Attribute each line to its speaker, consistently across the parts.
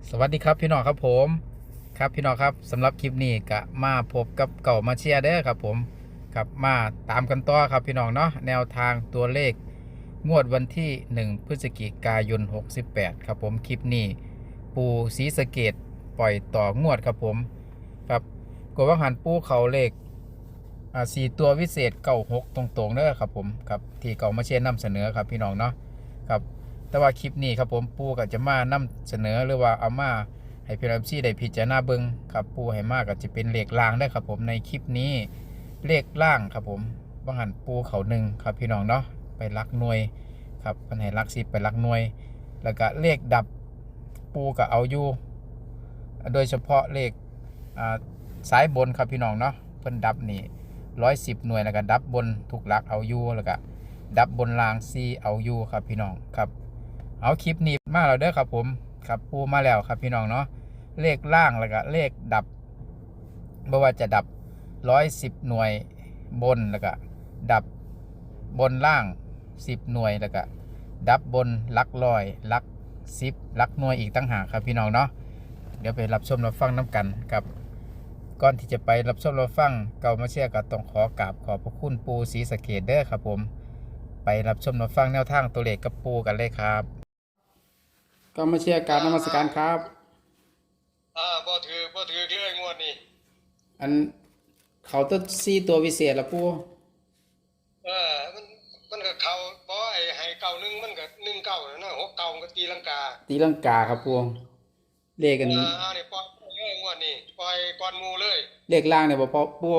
Speaker 1: สวัสดีครับพี่น้องครับผมครับพี่น้องครับสำหรับคลิปนี้ก็มาพบกับเก่ามาเชียร์เด้อครับผมครับมาตามกันต่อครับพี่น้องเนาะแนวทางตัวเลขงวดวันที่1พฤศจิกายน68ครับผมคลิปนี้ปูศรีสะเกษปล่อยต่องวดครับผมครับกดว่าหันปูเขาเลข4 ตัววิเศษ96ตรงๆเด้อครับผมครับที่เก่ามาเชียร์นำเสนอครับพี่น้องเนาะครับ แต่ว่าคลิปนี้ครับผมปูก็จะมานำเสนอหรือว่าเอามาให้พี่น้องได้พิจารณาเบิ่งครับปูให้มากก็จะเป็นเลขล่างได้ครับผมในคลิปนี้เลขล่างครับผมบางหันปูเขา1ครับพี่น้องเนาะไปลักหน่วยครับมันให้ลัก10ไปลักหน่วย แล้วก็เลขดับปูก็เอาอยู่โดยเฉพาะเลขสายบนครับพี่น้องเนาะเพิ่นดับนี่110หน่วยแล้วก็ดับบนทุกหลักเอาอยู่แล้วก็ดับบนรางซีเอาอยู่ครับพี่น้องครับ เอาคลิปนี้มาแล้วเด้อครับผมครับปูมาแล้วครับพี่น้องเนาะเลขล่างแล้วก็เลขดับไม่ว่าจะดับ110หน่วยบนแล้วก็ดับบนล่าง10หน่วยแล้วก็ดับบนลักร้อยลัก10ลักหน่วยอีกตั้งหากครับพี่น้องเนาะเดี๋ยวไปรับชมรับฟังน้ำกันครับก่อนที่จะไปรับชมรับฟังเก่ามาเชียร์ก็ต้องขอกราบขอบพระคุณปูศรีสะเกษเด้อครับผมไปรับชมรับฟังแนวทางตัวเลขกับปูกันเลยครับก็มาเชียร์การนมัสการครับ
Speaker 2: บ่ถือเลยงวดนี้
Speaker 1: อันเขาต้น4 ตัววิเศษละปู
Speaker 2: มันก็เข้าบ่ไอ้ให้เก่าหนึงมันก็19นั่นนะ6เก่ามันก็ตีลังกา
Speaker 1: ตีลังกาครับปูเลขกัน
Speaker 2: นี่ปล่อยเลยงวดนี้ปล่อยก่อนหมู่เลย
Speaker 1: เลขล่างเนี่ยบ่พอปู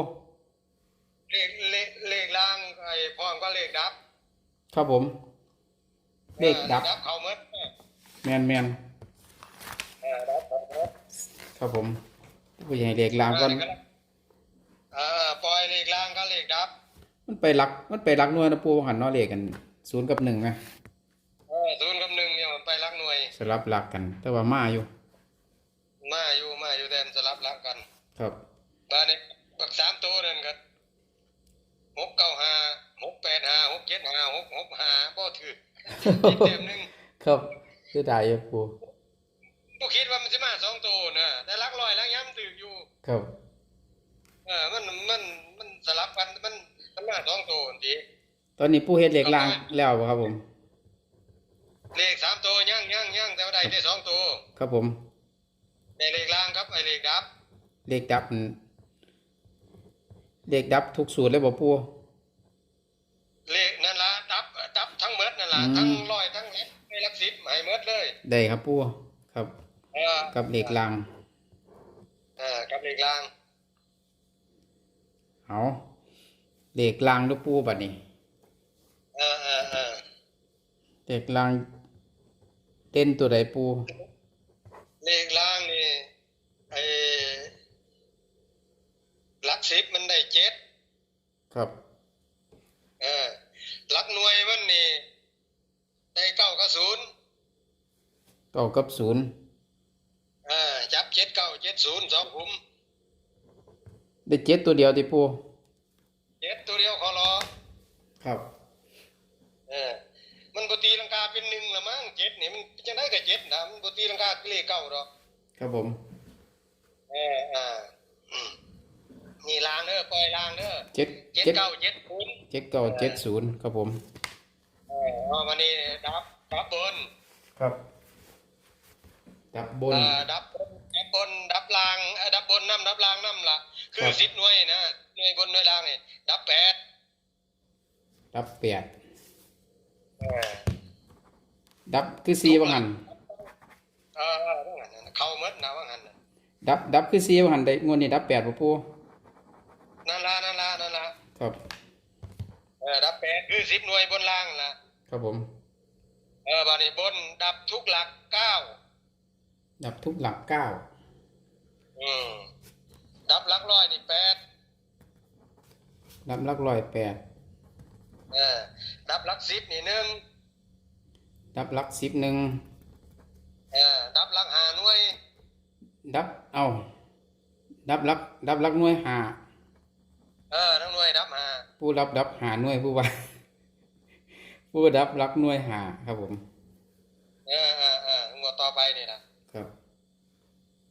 Speaker 2: เลขล่างไอ้พร้อมก็เลขดับ
Speaker 1: ครับผมเลขดับ
Speaker 2: ดับเข้าหมด
Speaker 1: แมน
Speaker 2: ดับเข้าหมด
Speaker 1: ครับผมผู้ใหญ่เลขล่างก่อน
Speaker 2: ปล่อยเลขล่างก็เลขดับ
Speaker 1: มันไปรักหน่วยนะปูหันเนาะเลขกัน0กับ1นะ
Speaker 2: 0กับ1เนี่ยมันไปหลักหน่วย
Speaker 1: สลับหลักกันแต่ว่ามาอยู่
Speaker 2: มาอยู่แต่มันสลับหลักกัน
Speaker 1: ครับ
Speaker 2: บาดนี้บัก3ตัวนั่นก็695 685 675 665บ่ถืออีกเต็มนึง
Speaker 1: ครับคือได้อยู่ปู
Speaker 2: บ่คิดว่ามันสิมา2ตัวนะแต่หลักร้อยหลักย้ำถืออยู่
Speaker 1: ครับ
Speaker 2: มันสลับกันมันมา2ตัวจังซี่
Speaker 1: ตอนนี้ปูเฮ็ดเลขล่างแล้วบ่ครับผม
Speaker 2: เลข3ตัวยังแต่ว่าได้ได้2ตัว
Speaker 1: ครับผม
Speaker 2: ได้เลขล่างครับไอ้เลขดับ
Speaker 1: เลขดับเลขดับทุกสูตรเลยบ่ปู
Speaker 2: เลขนั่นล่ะดับทั้งหมดนั่นล่ะทั้งร้อยทั้งหลัก10ให้หมดเลย
Speaker 1: ได้ครับปูครับ
Speaker 2: เออ
Speaker 1: กับเลขล่าง
Speaker 2: กับเลขล่าง
Speaker 1: เอาเลขล่างลูกปูบัดนี้
Speaker 2: เออ
Speaker 1: เลขล่างเด่นตัวใดปู
Speaker 2: เลขล่างนี่ไอ้หลัก10มันได้7
Speaker 1: ครับ
Speaker 2: หลักหน่วยมันนี่ได้9กับ0
Speaker 1: 9กับ0
Speaker 2: จับ7 9 7 0 2ขุม
Speaker 1: ได้7ตัวเดียวติปู
Speaker 2: 7ตัวเดียวขอรอ
Speaker 1: ครับ
Speaker 2: มันบ่ตีลังกาเป็น1ละมั้ง7นี่มันจังได๋ก็7นะมันบ่ตีลังกาเลข9ดอก
Speaker 1: ครับผม
Speaker 2: เออนี่ล่างเด้อปล่อยล่างเด้อ
Speaker 1: 7
Speaker 2: 7 9 7 0
Speaker 1: 7 9 7 0ครับผม
Speaker 2: วันนี้ดับบน
Speaker 1: ครับดับบน
Speaker 2: ดับล่างดับบนดับล่างล่ะคือ10หน่วยนะหน่วยบนหน่วยล่างนี่ดับ8
Speaker 1: ดับ8ดับคือ4ว่างั้น
Speaker 2: เข้าหมดนะว่างั้น
Speaker 1: ดับคือ4ว่างั้นได้งวดนี้ดับ8บ่ปู
Speaker 2: นั่นล่ะ
Speaker 1: ครับ
Speaker 2: ดับ8คือ10หน่วยบนล่างล่ะ
Speaker 1: ครับผม
Speaker 2: บัดนี้บนดับทุกหลัก9
Speaker 1: ดับทุกหลัก9
Speaker 2: ดับหลักร้อยนี่8
Speaker 1: ดับหลักร้อย8
Speaker 2: ดับหลัก10นี่1
Speaker 1: ดับหลัก10 1
Speaker 2: ดับหลัก5หน่วย
Speaker 1: ดับดับหลักหน่วย5
Speaker 2: ทั้งหน่วยดับ5
Speaker 1: ผู้ดับ5หน่วยผู้ว่าผู้ดับหลักหน่วย5ครับผม
Speaker 2: งวดต่อไปนี่ล่ะ
Speaker 1: ครับ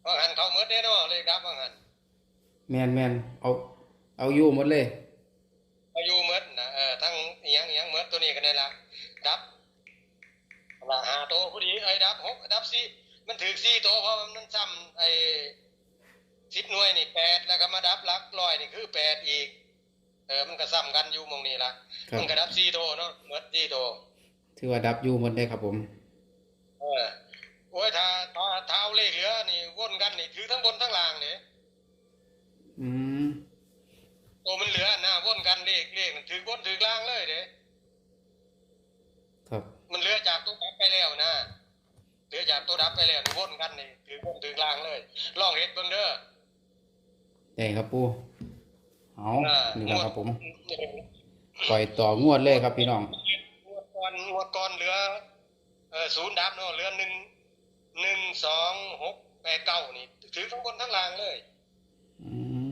Speaker 2: ว่าหันเขาเมื่อได้เนาะเลยดับว่าหัน
Speaker 1: แมนเอาอยู่หมดเลย
Speaker 2: อายุเมื่อนะทั้งอหยังเมื่อตัวนี้กันได้ละดับละ5ตัวพอดีดับ6ดับ4มันถือ4ตัวเพราะมันซ้ำ10หน่วยนี่8แล้วก็มาดับหลักร้อยนี่คือ8อีกมันก็ซ้ำกันอยู่หม่องนี้ล่ะมันก็ดับ4ตัวเนาะเมื่อ4ตัว
Speaker 1: ถือว่าดับอยู่หมดเลยครับผม
Speaker 2: โอ้ยถ้าเอาเลขเหลือนี่วนกันนี่ถือทั้งบนทั้งล่างนี่
Speaker 1: อืม
Speaker 2: ตัวมันเหลือนะวนกันเลขนั่นถือบนถือล่างเลยเด้
Speaker 1: ครับ
Speaker 2: มันเหลือจากตัวดับไปแล้วนะเหลือจากตัวดับไปแล้วนี่วนกันนี่ถือบนถือล่างเลยลองเฮ็ดเบิ่งเด้อ
Speaker 1: ได้ครับปูเอานี่แหละครับผม
Speaker 2: ง
Speaker 1: ปล่อยต่องวดเลยครับพี่น้อง
Speaker 2: วดก่อนเหลือศูนย์ดับเนาะเหลือ1 2 6 8 9นี่ถือทั้งบนทั้งล่างเลย
Speaker 1: อืม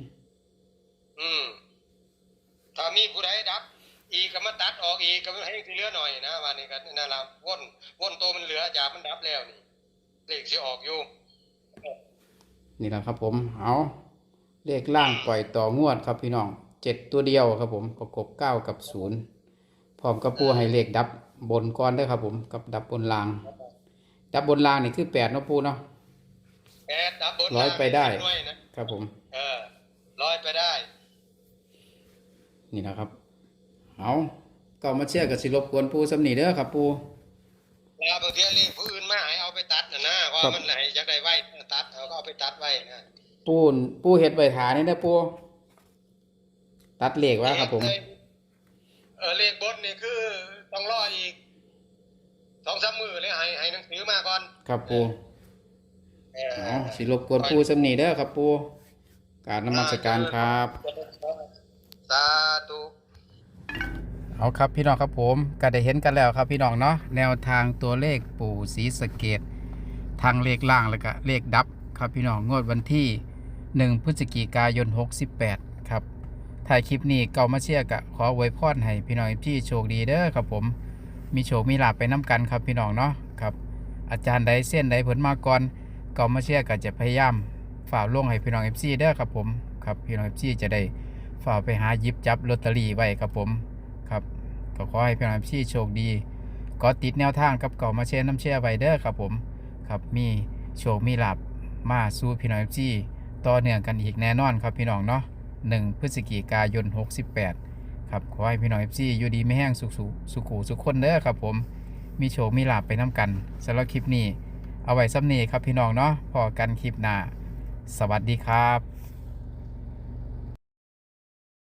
Speaker 2: ถ้ามีผู้ใดดับ อีกก็มาตัดออกอีกก็ให้เหลือหน่อยนะวันนี้ก็นั่นล่ะวนตัวมันเหลือจากมันดับแล้วนี่เลขสิออกอยู่
Speaker 1: นี่แหละครับผมเอาเลขล่างปล่อยต่องวดครับพี่น้อง7ตัวเดียวครับผมประกบ9กับ0พร้อมกับปูให้เลขดับบนก่อนด้วยครับผมกับดับบนล่าง ดับบนล่างนี่คือ8เนาะปูเนาะ
Speaker 2: ดับบน
Speaker 1: ร้อยไปได้
Speaker 2: ด้วยนะครับ
Speaker 1: ผม
Speaker 2: ร้อยไปได้
Speaker 1: นี่นะครับเอาก็มาเชื่อกับสิรบกวนปูสำนีเด้อครับปู
Speaker 2: แล้วบางทีเลขผู้อื่นมาให้เอาไปตัดนะเพราะมันไหนอยากได้ไว้ตัดก็เอาไปตัดไว้นะ
Speaker 1: ปูเฮ็ดใบถานี่นะปูตัดเลขไว้ครับผม
Speaker 2: เลขบนนี่คือต้องรออีก2-3 มื้อเลยให้หนังสือมาก่อน
Speaker 1: ครับปูเอาสิรบกวนปูสำนีเด้อครับปูกรารนมัสการครับ
Speaker 2: สาธุ
Speaker 1: เอาครับพี่น้องครับผมก็ได้เห็นกันแล้วครับพี่น้องเนาะแนวทางตัวเลขปู่ศรีสะเกษทางเลขล่างแล้วก็เลขดับครับพี่น้องงวดวันที่1 พฤศจิกายน 68ครับถ่ายคลิปนี้เก่ามาเชียร์กะขออวยพรให้พี่น้องพี่โชคดีเด้อครับผมมีโชคมีลาภไปน้ำกันครับพี่น้องเนาะครับอาจารย์ใดเส้นใดผลมาก่อนเก่ามาเชียร์ก็จะพยายามฝ่าลงให้พี่น้อง FC เด้อครับผมครับพี่น้อง FC จะได้ฝ่าไปหาหยิบจับลอตเตอรี่ไว้ครับผมครับก็ขอให้พี่น้อง FC โชคดีก็ติดแนวทางกับเก่ามาเชียร์น้ำเชียร์ไว้เด้อครับผมครับมีโชคมีลาภมาสู่พี่น้อง FC ต่อเนื่องกันอีกแน่นอนครับพี่น้องเนาะ1 พฤศจิกายน 68ครับขอให้พี่น้อง FC อยู่ดีไม่แห้งสุขคนเด้อครับผมมีโชคมีลาภไปน้ำกันสำหรับคลิปนี้เอาไว้ซ้ำนี้ครับพี่น้องเนาะพอกันคลิปหน้าสวัสดีครับ